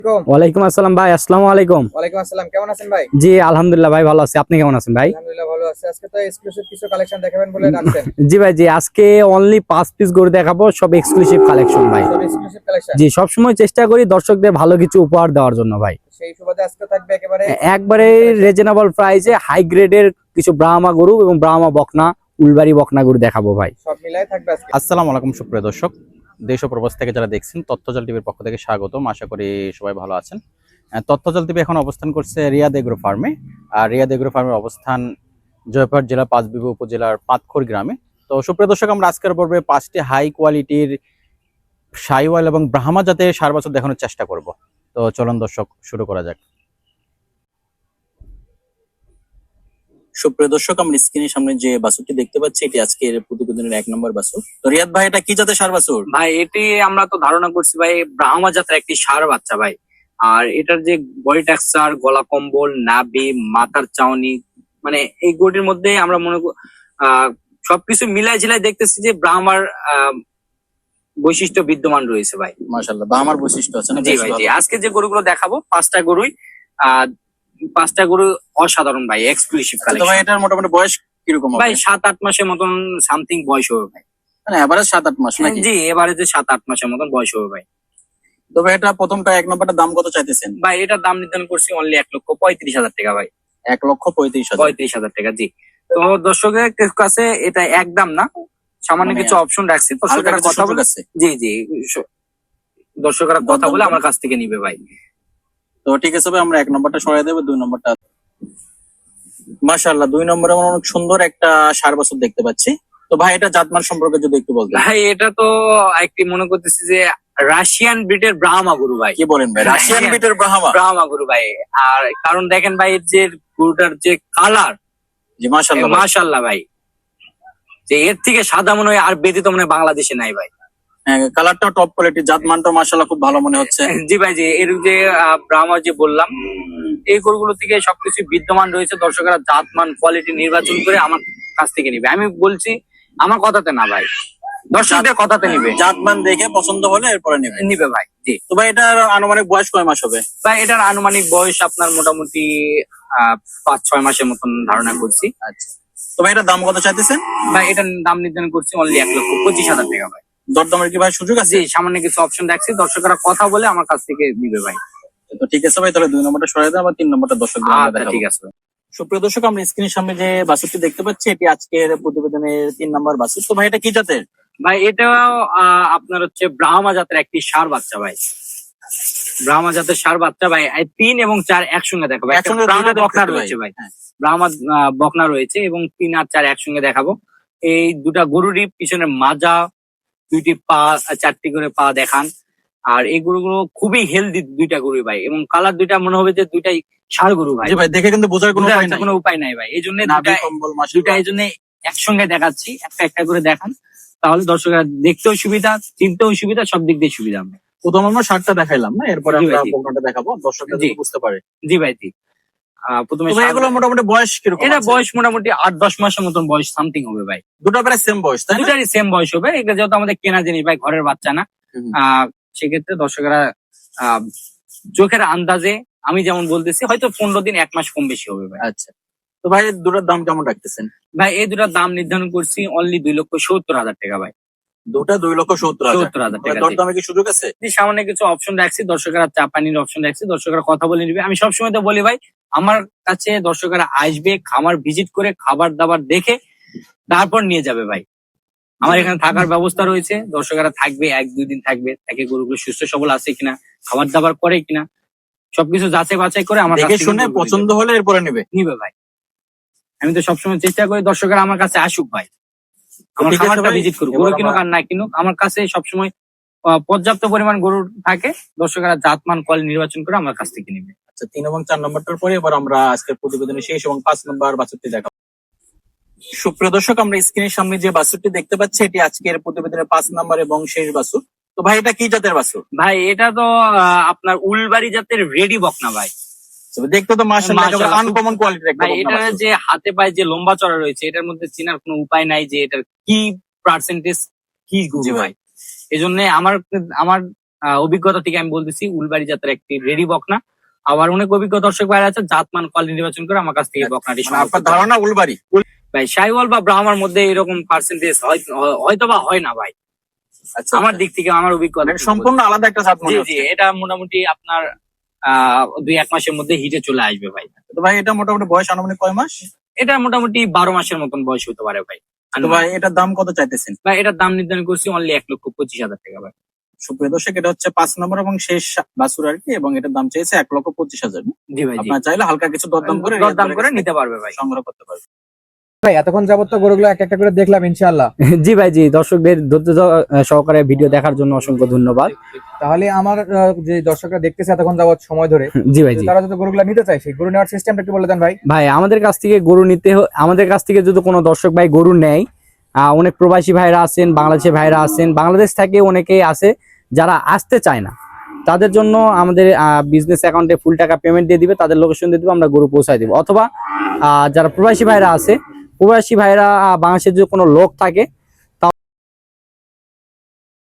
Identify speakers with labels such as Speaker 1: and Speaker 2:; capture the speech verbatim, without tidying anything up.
Speaker 1: ওয়ালাইকুম আসসালাম ভাই। আসসালামু আলাইকুম।
Speaker 2: ওয়ালাইকুম আসসালাম, কেমন আছেন ভাই?
Speaker 1: জি আলহামদুলিল্লাহ ভাই, ভালো আছি। আপনি কেমন আছেন ভাই?
Speaker 2: আলহামদুলিল্লাহ ভালো আছি। আজকে তো এক্সক্লুসিভ কিছু কালেকশন দেখাবেন বলে রাখছেন।
Speaker 1: জি ভাই, জি আজকে অনলি পাঁচ পিস গরু দেখাবো, সব এক্সক্লুসিভ কালেকশন ভাই।
Speaker 2: সব এক্সক্লুসিভ কালেকশন।
Speaker 1: জি সবসময় চেষ্টা করি দর্শকদের ভালো কিছু উপহার দেওয়ার জন্য ভাই।
Speaker 2: সেই সুবাদে আজকে থাকবে একেবারে
Speaker 1: একবারে রিজনেবল প্রাইসে হাই গ্রেডের কিছু ব্রাহ্মা গরু এবং ব্রাহ্মা বকনা, উলবাড়ি বকনা গরু দেখাবো ভাই।
Speaker 2: সব মিলাই থাকবে আজকে।
Speaker 3: আসসালামু আলাইকুম সুপ্রিয় দর্শক, দেশ ও প্রবাস থেকে যারা দেখছেন তথ্যজাল টিভির পক্ষ থেকে স্বাগতম। আশা করি সবাই ভালো আছেন। আহ, তথ্যজাল টিভি এখন অবস্থান করছে রিয়াদ এগ্রো ফার্মে। আর রিয়াদ এগ্রো ফার্মের অবস্থান জয়পুরহাট জেলা পাঁচবিবি উপজেলার পাতখোর গ্রামে। তো সুপ্রিয় দর্শক, আমরা আজকের পর্বে পাঁচটি হাই কোয়ালিটির সাইওয়াল এবং ব্রাহ্মা জাতের সার বাছুর দেখানোর চেষ্টা করব। তো চলুন দর্শক, শুরু করা যাক। সুপ্রিয় দর্শক, আমরা স্ক্রিনের সামনে যে বাছুরটি দেখতে পাচ্ছি এটি আজকের প্রতিবেদনের এক নম্বর বাছুর। তো রিয়াদ ভাই, এটা কি জাতের সার বাছুর?
Speaker 4: ভাই এটি আমরা তো ধারণা করছি ভাই ব্রাহ্মা জাতের একটি ষাঁড় বাচ্চা ভাই। আর এটার যে বডি টেক্সচার, গলা কম্বল, নাভি, মাথার চাউনি, মানে এই গরুটির মধ্যে আমরা মনে কর- আহ সবকিছু মিলাই ঝিলাই দেখতেছি যে ব্রাহ্মার আহ বৈশিষ্ট্য বিদ্যমান রয়েছে ভাই।
Speaker 3: মাশাআল্লাহ, ব্রাহ্মার বৈশিষ্ট্য আছে না?
Speaker 4: জি
Speaker 3: বেশ
Speaker 4: ভাই, জি
Speaker 3: ভালো।
Speaker 4: আজকে যে গরুগুলো দেখাবো পাঁচটা গরুই আহ পাঁচটা গরু অসাধারণ ভাই, এক্সক্লুসিভ
Speaker 3: তো ভাই,
Speaker 4: কালেকশন।
Speaker 3: এটার মোটামুটি বয়স কিরকম হবে?
Speaker 4: ভাই সাত আট মাসের মতন সামথিং বয়স হবে ভাই।
Speaker 3: মানে এভারেজ সাত আট মাস নাকি?
Speaker 4: জি এবারে যে সাত আট মাসের মতন বয়স হবে ভাই।
Speaker 3: তবে এটা প্রথমটা এক নম্বরটা দাম কত চাইতেছেন?
Speaker 4: ভাই এটার দাম নির্ধারণ করছি অনলি এক লক্ষ পঁয়ত্রিশ হাজার টাকা ভাই।
Speaker 3: এক লক্ষ পঁয়ত্রিশ হাজার।
Speaker 4: পঁয়ত্রিশ হাজার টাকা, জি। তো দর্শকের কাছে এটা একদম না, সামান্য
Speaker 3: মানে
Speaker 4: কিছু অপশন রাখছি,
Speaker 3: হালকা
Speaker 4: দর্শকেরা
Speaker 3: কিছু
Speaker 4: কথা
Speaker 3: সুযোগ
Speaker 4: বলে।
Speaker 3: আছে।
Speaker 4: জি জি স- দর্শকেরা কথা
Speaker 3: দরদাম
Speaker 4: বলে
Speaker 3: করে।
Speaker 4: আমার কাছ থেকে নিবে ভাই।
Speaker 3: তো ঠিক আছে ভাই, আমরা এক নম্বরটা সরাই দেবো, দুই নম্বরটা। মাশাআল্লাহ, দুই নম্বরে আমরা অনেক সুন্দর একটা ষাঁড় বাছুর দেখতে পাচ্ছি। তো ভাই, এটা জাতমান সম্পর্কে যদি একটু বলতেন।
Speaker 4: ভাই এটা তো একটি মনে করতেছি যে রাশিয়ান ব্রিডের ব্রাহ্মা গরু ভাই।
Speaker 3: কি বলেন ভাই, রাশিয়ান
Speaker 4: হ্যাঁ।
Speaker 3: বিটের ব্রাহ্মা?
Speaker 4: ব্রাহ্মা গরু ভাই। আর কারণ দেখেন ভাই, এর যে গরুটার যে কালার,
Speaker 3: জি মাশাআল্লাহ ভাই।
Speaker 4: মাশাআল্লাহ ভাই, যে এর থেকে সাদা মনে হয় আর ব্যতীত মনে হয় বাংলাদেশে নাই ভাই।
Speaker 3: হ্যাঁ, কালারটা টপ কোয়ালিটি, জাতমানটা মাশাআল্লাহ খুব ভালো মনে হচ্ছে।
Speaker 4: জি ভাই, জি এর যে আহ, ব্রাহ্মা যে বললাম, এই গরুগুলো থেকে সবকিছু বিদ্যমান রয়েছে। দর্শকেরা জাতমান কোয়ালিটি নির্বাচন করে আমার কাছ থেকে নিবে। আমি বলছি আমার কথাতে না ভাই, দর্শকদের কথাতে নিবে।
Speaker 3: জাতমান দেখে পছন্দ হলে এরপরে নেবে।
Speaker 4: নিবে ভাই, জি।
Speaker 3: তো ভাই, এটার আনুমানিক বয়স কয় মাস হবে?
Speaker 4: ভাই এটার আনুমানিক বয়স আপনার মোটামুটি আহ পাঁচ ছয় মাসের মতন ধারণা করছি।
Speaker 3: আচ্ছা, তো ভাই, এটার দাম কত চাইতেছেন?
Speaker 4: ভাই এটার দাম নির্ধারণ করছি অনলি এক লক্ষ পঁচিশ হাজার টাকা ভাই।
Speaker 3: দরদামের কি ভাই সুযোগ আছে?
Speaker 4: জি সামান্য কিছু অপশন রাখছি, দর্শকরা কথা বলে আমার কাছ থেকে নিবে ভাই।
Speaker 3: তো ঠিক আছে ভাই, তাহলে দুই নম্বরটা সরাই দেন, আবার তিন নম্বরটা দর্শক
Speaker 4: আচ্ছা ঠিক আছে ভাই।
Speaker 3: সুপ্রিয় দর্শক, আমরা স্ক্রিনের সামনে যে বাছুরটি দেখতে পাচ্ছি এটি আজকের প্রতিবেদনের তিন নম্বর বাছুর। তো ভাই, এটা কি জাতের?
Speaker 4: ভাই এটাও আহ, আপনার হচ্ছে ব্রাহ্মা জাতের একটি ষাঁড় বাচ্চা ভাই। ব্রাহ্মা জাতের ষাঁড় বাচ্চা ভাই, এই তিন এবং চার একসঙ্গে দেখাবো। একটা
Speaker 3: একসঙ্গে
Speaker 4: ব্রাহ্মা
Speaker 3: দুইটা
Speaker 4: বকনা
Speaker 3: দেখতে
Speaker 4: রয়েছে
Speaker 3: পাই।
Speaker 4: ভাই, ব্রাহ্মা আহ, বকনা রয়েছে এবং তিন আর চার একসঙ্গে দেখাবো। এই দুটা গরুরই পিছনে মাজা, দুইটি পা, চারটি করে পা দেখান। আর এই গরুগুলো খুবই হেলদি দুইটা গরু ভাই, এবং কালার দুইটা মনে হবে যে দুইটাই ষাঁড় গরু ভাই।
Speaker 3: জি ভাই, দেখে কিন্তু বোঝার কোনো
Speaker 4: বোঝার
Speaker 3: উপায়
Speaker 4: একটা
Speaker 3: নাই।
Speaker 4: কোনো উপায় নাই ভাই, এই জন্য
Speaker 3: নাভি কম্বল মাশাআল্লাহ।
Speaker 4: দুইটা এই জন্য একসঙ্গে দেখাচ্ছি, একটা একটা করে দেখান, তাহলে দর্শকরা দেখতেও সুবিধা, চিনতেও সুবিধা, সব দিক দিয়ে সুবিধা হবে।
Speaker 3: প্রথম আমরা শার্টটা দেখাইলাম না, এরপরে
Speaker 4: জি ভাই,
Speaker 3: আমরা
Speaker 4: জি।
Speaker 3: বকনাটা দেখাবো, দর্শকরা
Speaker 4: জি।
Speaker 3: যাতে বুঝতে পারে।
Speaker 4: জি ভাই, জি। আহ, প্রথমে
Speaker 3: তো ভাই,
Speaker 4: ষাঁড়-
Speaker 3: এগুলো মোটামুটি বয়স কিরকম
Speaker 4: এটা
Speaker 3: আছে?
Speaker 4: বয়স মোটামুটি আট দশ মাসের মতন বয়স সামথিং হবে ভাই।
Speaker 3: দুটো প্রায় সেম বয়স, তাই না?
Speaker 4: দুটারই সেম বয়স হবে, এটা যেহেতু আমাদের কেনা জিনিস ভাই, ঘরের বাচ্চা না।
Speaker 3: হুম।
Speaker 4: আহ সেক্ষেত্রে দর্শকরা আহ চোখের আন্দাজে আমি যেমন বলতেছি, হয়তো পনেরো দিন এক মাস কম বেশি হবে ভাই।
Speaker 3: আচ্ছা, তো ভাই দুটোর দাম কেমন রাখতেছেন?
Speaker 4: ভাই এই দুটার দাম নির্ধারণ করছি অনলি দুই লক্ষ সত্তর হাজার টাকা ভাই।
Speaker 3: দুটা দুই লক্ষ সত্তর হাজার।
Speaker 4: সত্তর হাজার টাকা, জি।
Speaker 3: দরদামে কি সুযোগ আছে?
Speaker 4: যে সামান্য কিছু অপশন রাখছি, দর্শকরা চা পানির অপশন রাখছি, দর্শকরা কথা বলে নিবে। আমি সবসময় তো বলি ভাই, আমার কাছে দর্শকরা আসবে, খামার ভিজিট করে খাবার দাবার দেখে তারপর নিয়ে যাবে ভাই। আমার এখানে থাকার ব্যবস্থা রয়েছে, দর্শকরা থাকবে, এক দুই দিন থাকবে, তাকে গরুগুলো সুস্থ সবল আছে কিনা, খাবার দাবার করে কিনা, সবকিছু যাচাই বাছাই করে আমার কাছ
Speaker 3: দেখে
Speaker 4: থেকে
Speaker 3: শুনে
Speaker 4: গরুগুলো
Speaker 3: পছন্দ হলে এরপরে নেবে।
Speaker 4: নিবে ভাই। আমি তো সবসময় চেষ্টা করি দর্শকরা আমার কাছে আসুক ভাই, আমার
Speaker 3: ঠিক আছে
Speaker 4: খামারটা
Speaker 3: ভাই,
Speaker 4: ভিজিট করুক,
Speaker 3: এবার
Speaker 4: গরু কিনুক
Speaker 3: আমরা-
Speaker 4: আর না কিনুক, আমার কাছে সবসময় আহ, পর্যাপ্ত পরিমাণ গরু থাকে, দর্শকরা জাতমান কোয়ালিটি নির্বাচন করে আমার কাছ থেকে নিবে।
Speaker 3: আচ্ছা, তিন এবং চার নম্বরটার পরে এবার আমরা আজকের প্রতিবেদনের শেষ এবং পাঁচ নম্বর বাছুরটি দেখাবো। সুপ্রিয় দর্শক, আমরা স্ক্রিনের সামনে যে বাছুরটি দেখতে পাচ্ছি এটি আজকের প্রতিবেদনের পাঁচ নম্বর এবং শেষ বাছুর। তো ভাই, এটা কি জাতের বাছুর?
Speaker 4: ভাই এটা তো আহ, আপনার উলবাড়ি জাতের রেডি বকনা ভাই।
Speaker 3: তবে দেখতে তো মাশাআল্লাহ
Speaker 4: মাশাআল্লাহ,
Speaker 3: আনকমন কোয়ালিটির একটা
Speaker 4: ভাই
Speaker 3: বকনা
Speaker 4: এটার
Speaker 3: বাছুর।
Speaker 4: যে হাতে পায়ে যে লম্বা চড়া রয়েছে, এটার মধ্যে চেনার কোনো উপায় নাই যে এটার কি পার্সেন্টেজ কি
Speaker 3: জি
Speaker 4: গরু
Speaker 3: ভাই।
Speaker 4: ভাই। এই জন্য আমার আমার আহ, অভিজ্ঞতা থেকে আমি বলতেছি উলবাড়ি জাতের একটি রেডি বকনা। আবার অনেক অভিজ্ঞ দর্শক ভাইরা আছে জাতমান কোয়ালিটি নির্বাচন করে আমার কাছ থেকে বকনাটি
Speaker 3: মানে
Speaker 4: সংগ্রহ
Speaker 3: আপনার
Speaker 4: করতে পারে।
Speaker 3: ধারণা উলবাড়ি?
Speaker 4: ভাই শাইওয়াল বা ব্রাহ্মার মধ্যে এরকম পার্সেন্টেজ হয়তো বা হয় না ভাই,
Speaker 3: আচ্ছা,
Speaker 4: আমার দিক থেকে আমার অভিজ্ঞতা
Speaker 3: মানে সম্পূর্ণ আলাদা একটা জাত
Speaker 4: জি
Speaker 3: মনে
Speaker 4: জি
Speaker 3: হচ্ছে।
Speaker 4: এটা মোটামুটি আপনার আহ দুই এক মাসের মধ্যে হিটে চলে আসবে ভাই।
Speaker 3: তো ভাই এটা মোটামুটি বয়স আনুমানিক কয় মাস?
Speaker 4: এটা মোটামুটি বারো মাসের মতন বয়স হতে পারে ভাই।
Speaker 3: তো ভাই এটার দাম কত চাইতেছেন?
Speaker 4: ভাই এটার দাম নির্ধারণ করছি অনলি এক লক্ষ পঁচিশ হাজার টাকা ভাই।
Speaker 3: সুপ্রিয় দর্শক, এটা হচ্ছে পাঁচ নম্বর এবং শেষ বাছুর আর কি, এবং এটার দাম চাইছে এক লক্ষ পঁচিশ হাজার।
Speaker 4: জি ভাই জি
Speaker 3: আপনার চাইলে হালকা কিছু দরদাম করে
Speaker 4: দরদাম করে নিতে পারবে ভাই।
Speaker 3: সংগ্রহ করতে পারবে।
Speaker 2: ভাই এতক্ষণ যাবত তো গরুগুলো এক একটা করে দেখলাম ইনশাআল্লাহ।
Speaker 1: জি ভাই জি, দর্শকদের ধৈর্য স- সহকারে ভিডিও দেখার জন্য অসংখ্য ধন্যবাদ।
Speaker 2: তাহলে আমার আহ, যে দর্শকরা দেখতেছে এতক্ষণ যাবত সময় ধরে,
Speaker 1: জি ভাই জি।
Speaker 2: তারা যদি গরুগুলো নিতে চায় সেই গরু নেওয়ার সিস্টেমটা একটু বলে দেন ভাই।
Speaker 1: ভাই আমাদের কাছ থেকে গরু নিতে হ- আমাদের কাছ থেকে যদি কোনো দর্শক ভাই গরু নেয়, আহ, অনেক প্রবাসী ভাইরা আছেন, বাংলাদেশি ভাইরা আছেন, বাংলাদেশ থেকে অনেকেই আছে যারা আসতে চায় না, তাদের জন্য আমাদের বিজনেস অ্যাকাউন্টে ফুল টাকা পেমেন্ট দিয়ে দিবে, তাদের লোকেশন দিয়ে দিবে, আমরা গরু পৌঁছায় দিব। অথবা আহ, যারা প্রবাসী ভাইরা আছে, প্রবাসী ভাইরা আহ, বাংলাদেশের যদি কোনো লোক থাকে